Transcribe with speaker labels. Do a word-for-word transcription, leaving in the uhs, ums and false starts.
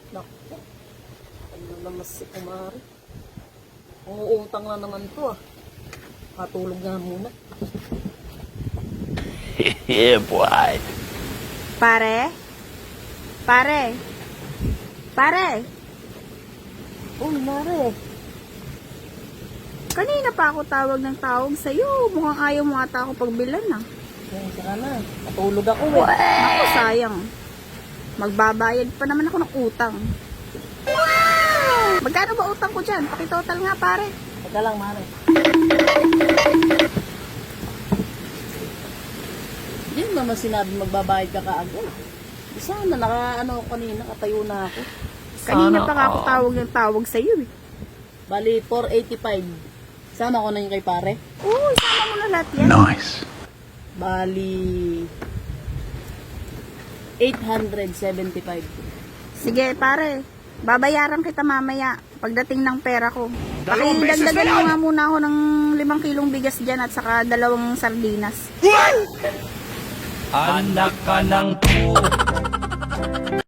Speaker 1: Naku, ano naman si kumari. Umuutang na naman to ah. Patulog nga muna.
Speaker 2: Yeah, boy.
Speaker 3: Pare? Pare? Pare?
Speaker 1: Oh, mare.
Speaker 3: Kanina pa ako tawag ng tawag sa'yo. Mukhang ayaw mo ata ako pagbilan ah.
Speaker 1: Yan, saka na. Patulog ako eh.
Speaker 3: Ako sayang. Magbabayad pa naman ako ng utang. Wow! Magkano ba utang ko dyan? Pakitotal nga pare.
Speaker 1: Teka lang, mare. Hindi mo naman sinabi magbabayad ka kaagad. Sana naka ano ako kanina, katayo na ako.
Speaker 3: Kanina pa nga ako tawag ng tawag sa'yo eh.
Speaker 1: Bali, four eighty-five. Sama ko na yung kay pare.
Speaker 3: Oo, isama mo na lahat yan.
Speaker 2: Nice.
Speaker 1: Bali, eight seventy-five.
Speaker 3: Sige pare, babayaran kita mamaya pagdating ng pera ko.
Speaker 2: Dalawang beses na
Speaker 3: Pakidagdagan mo
Speaker 2: yan!
Speaker 3: nga muna ako ng limang kilong bigas dyan at saka dalawang sardinas.
Speaker 2: Anak ka ng po.